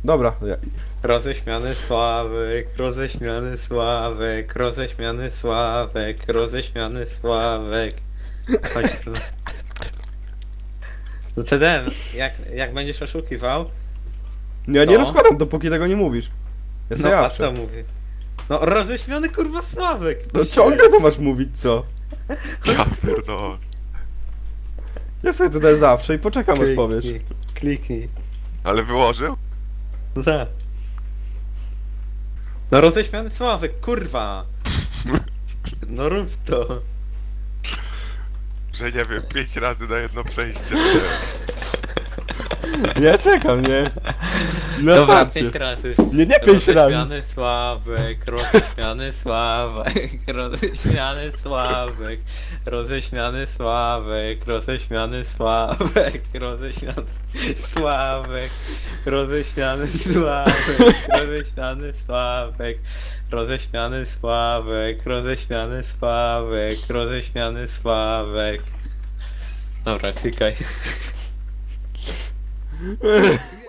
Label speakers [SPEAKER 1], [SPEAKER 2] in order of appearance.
[SPEAKER 1] Dobra,
[SPEAKER 2] Roześmiany Sławek, roześmiany Sławek, roześmiany Sławek, roześmiany Sławek. Chodź tu. No TDM, jak będziesz oszukiwał,
[SPEAKER 1] ja nie
[SPEAKER 2] To?
[SPEAKER 1] rozkładam, dopóki tego nie mówisz. Ja
[SPEAKER 2] no
[SPEAKER 1] sobie
[SPEAKER 2] a
[SPEAKER 1] jawczę.
[SPEAKER 2] co mówię? No roześmiany kurwa Sławek!
[SPEAKER 1] No ciągle to masz mówić, co?
[SPEAKER 3] Ja pierdolę.
[SPEAKER 1] Ja sobie tutaj zawsze i poczekam, aż powiesz.
[SPEAKER 2] Kliknij.
[SPEAKER 3] Ale wyłożył?
[SPEAKER 2] No tak. No roześmiany Sławek, kurwa! No rób to.
[SPEAKER 3] Że nie wiem, 5 razy na jedno przejście.
[SPEAKER 1] Ja czekam, nie? Na
[SPEAKER 2] Dobra,
[SPEAKER 1] starcie.
[SPEAKER 2] 5 razy.
[SPEAKER 1] Nie 5 razy.
[SPEAKER 2] Roześmiany Sławek, roześmiany Sławek, roześmiany Sławek, roześmiany Sławek, roześmiany Sławek, roześmiany Sławek, roześmiany Sławek, roześmiany Sławek, roześmiany Sławek, roześmiany Sławek, roześmiany Sławek. Dobra, klikaj.